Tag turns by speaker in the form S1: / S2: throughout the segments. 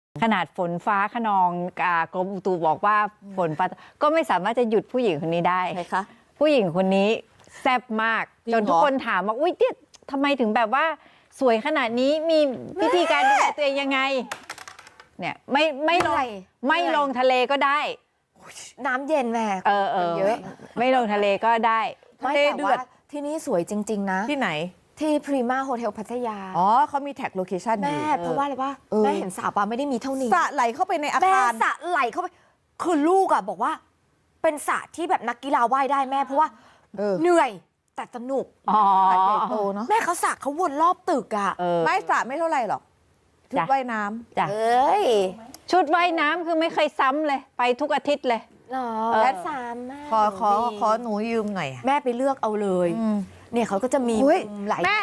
S1: ขนาดฝนฟ้าคะนองกรมอุตุบอกว่าฝนฟ้าก็ไม่สามารถจะหยุดผู้หญิงคนนี้ได้
S2: ใครคะ
S1: ผู้หญิงคนนี้แซ่บมาก
S2: จริง
S1: จนทุกคนถามว่าอุ้ยเนี่ยทำไมถึงแบบว่าสวยขนาดนี้มีวิธีการดูแลตัวเองยังไงเนี่ยไม่ลงทะเลก็ได้
S3: น้ำเย็นแม่
S1: เยอะไม่ลงทะเลก็ได้
S3: ไม่แต่ว่าที่นี่สวยจริงๆนะ
S2: ที่ไหน
S3: ที่พรีมาโฮเทลพัทยา
S2: อ๋อเขามีแท็กโลเคชั่น
S3: แม่เพราะว่าอะไรวะแม่เห็นสระปลาไม่ได้มีเท่านี้
S2: สระไหลเข้าไปในอา
S3: แม่
S2: คาร
S3: สระไหลเข้าไปคือลูกอ่ะบอกว่า เป็นสระที่แบบนักกีฬาว่ายได้แม่เพราะว่าเหนื่อยแต่สนุก
S1: อ๋อ
S2: สระใหญ่โตเนาะ
S3: แม่เขาสระเขาวนรอบตึกอ่ะ
S2: ไม่สระไม่เท่าไหร่หรอกชุด
S1: จ้ะ
S2: ว่ายน้ำ
S1: จ้ะ
S3: เอ้ย
S1: ชุดว่ายน้ำคือไม่เคยซ้ำเลยไปทุกอาทิตย์เลย
S3: หรอ
S1: เออ
S3: และสามแม่
S2: ขอหนูยืมหน่อย
S3: แม่ไปเลือกเอาเลย เนี่ยเขาก็จะมี
S2: อุ๊ย
S3: มุมหลาย
S2: แม่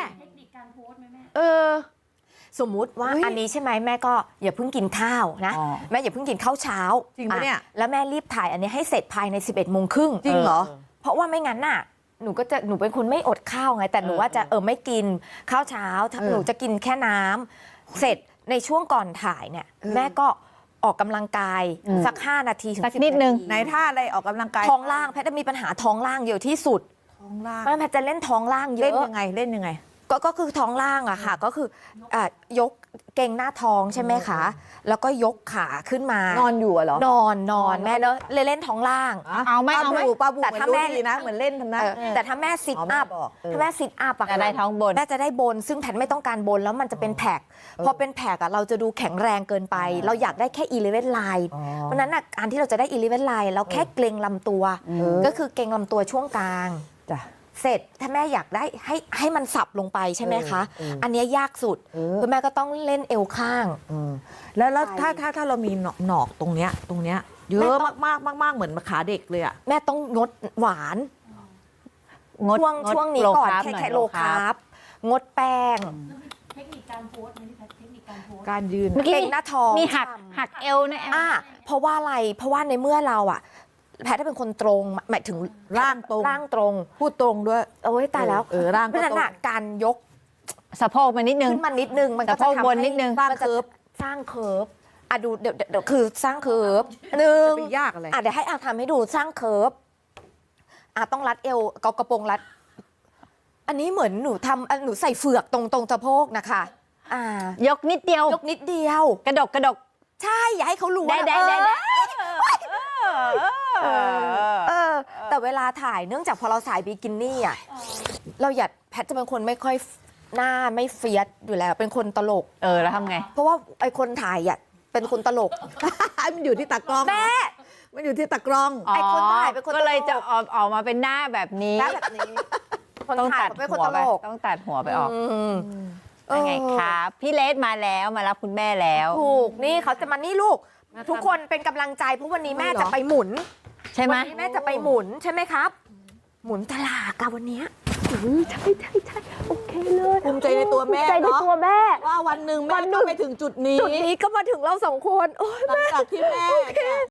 S3: สมมุติว่า
S2: อุ๊ย
S3: อันนี้ใช่ไหมแม่ก็อย่าเพิ่งกินข้าวนะ
S1: อ๋อ
S3: แม่อย่าเพิ่งกินข้าวเช้า
S2: จริงปะเนี่ย
S3: แล้วแม่รีบถ่ายอันนี้ให้เสร็จภายใน 11 โมงครึ่ง
S2: จริงเหรอ
S3: เพราะว่าไม่งั้นน่ะหนูเป็นคนไม่อดข้าวไงแต่หนูว่าจะไม่กินข้าวเช้าหนูจะกินแค่น้ำเสร็จในช่วงก่อนถ่ายเนี่ยแม่ก็ออกกำลังกายสัก 5 นาทีถึง
S1: สัก
S3: 10
S1: นิดนึง
S2: ไหนท่าอะไรออกกำลังกาย
S3: ท้องล่างแพทย์จะมีปัญหาท้องล่างเยอะที่สุด
S2: ท้องล่าง
S3: แม่แพทย์จะเล่นท้องล่างเย
S2: เล่น
S3: อะ
S2: ยังไงเล่นยังไง
S3: ก็คือท้องล่างอะค่ะ ก็คืออ่ะยกเกรงหน้าท้องใช่ไหมคะ แล้วก็ยกขาขึ้นมาน
S2: อนอยู่เหรอน
S3: อนแม่เนอะเล่นท้องล่าง
S1: เอาไหม
S2: ปลาบู
S3: แต่
S2: แต่
S3: ถ้า
S2: ถ้า
S3: แม่
S2: แม่ดีนะ เหมือนเล่นทำนะ
S3: แต่ถ้าแม่ซิท
S2: อ๋อแม่
S3: อัพ
S2: บอก
S3: ถ้าแม่ซิทอัพอะ
S1: จะได้ท้องบน
S3: แม่จะได้บน ซึ่งแพทไม่ต้องการบนแล้วมันจะเป็นแพ็คพอเป็นแพ็คอะเราจะดูแข็งแรงเกินไป เราอยากได้แค่11 line เพราะฉะนั้นอะการที่เราจะได้11 line เราแค่เกรงลำตัว ก็คือเกรงลำตัวช่วงกลาง
S2: จ้ะ
S3: เสร็จถ้าแม่อยากได้ให้มันสับลงไปใช่ไหมคะ อันเนี้ยยากสุดคุณแม่ก็ต้องเล่นเอวข้าง
S2: แล้วถ้าเรามีหนอกตรงเนี้ยเยอะมากเหมือนขาเด็กเลยอ่ะ
S3: แม่ต้องงดหวาน ช่วงนี้ก่อนแค่โลคาร์บงดแป้ง
S4: เทคนิคการโพสต์ไหมพี่แพทเทคนิคการโพสต์
S2: การยืน
S1: เมื่อกี้
S3: เกรงหน้าท้อง
S1: มีหักเอวนะ
S3: เพราะว่าอะไรเพราะว่าในเมื่อเราอะแพทย์เป็นคนตรงหมายถึง
S2: ร่างตรง
S3: ร่างตรง
S2: พูดตรงด้วย
S3: โอ้ยตายแล้ว
S2: ร่าง
S3: เพ
S2: ก็
S3: ราะฉะนั้น
S2: ตรง
S3: อะการยก
S1: สะโพกมานิดนึง
S3: ขึ้นมานิดนึงมันก็
S1: สะโพ
S3: จะ
S1: ก
S3: ทำ
S1: บนนิดนึง
S3: มันจะสร้างเคิร์ฟอะดูเดี๋ยวคือสร้างเคิร์ฟหนึ่ง
S2: จะไปยากอะไร
S3: เดี๋ยวให้อาทำให้ดูสร้างเคิร์ฟต้องรัดเอวกระโปรงรัด อันนี้เหมือนหนูทำหนูใส่เฟือกตรงสะโพกนะคะ
S1: ยกนิดเดียวย
S3: กนิดเดียว
S1: กระดก
S3: ใช่ อย่าให้เขารู้
S1: ได้
S3: ว่า
S1: ได้ได้
S3: แต่เวลาถ่ายเนื่องจากพอเราใส่บิกินี่อ่ะเราอยากแพทจะเป็นคนไม่ค่อยหน้าไม่เฟียสอยู่แล้ว เป็นคนตลก
S1: แล้วทำไง
S3: เพราะว่าไอคนถ่ายอ่ะเป็นคนตลก
S2: มันอยู่ที่ตากล้อง
S3: แม่
S2: มันอยู่ที่ตากล้อง
S3: ไอ้คนถ่ายเป็นคน
S1: ก็เลย
S3: ตลก
S1: จะออกมาเป็นหน้าแบบนี้
S3: หน้าแบบนี้คน
S1: ต้อง
S3: ถ่าย
S1: ตัด
S3: เป็นค
S1: หั
S3: น
S1: ว
S3: ต
S1: ไป
S3: ลก
S1: ต้องตัดหัวไปออก
S3: เออ
S1: ยังไงครับพี่เลสมาแล้วมารับคุณแม่แล้ว
S3: ถูกนี่เขาจะมานี่ลูก ทุกคนเป็นกำลังใจเพราะวันนี้แม่จะไปหมุน
S1: ใช่ไหม
S3: วันนี้แม่จะไปหมุนใช่ไหมครับ หมุนตลาดกันวันนี้ใช่โอเคเลย
S2: ภูมิใจในตัวแม่
S3: ภูมิใจใน
S2: เนาะ
S3: ตัวแม่
S2: ว่าวันหนึ่งแม่ก็ไปถึงจุดนี้
S3: จุดนี้ก็มาถึงเราสองคนโอ้ย
S2: หลังจากที่แม่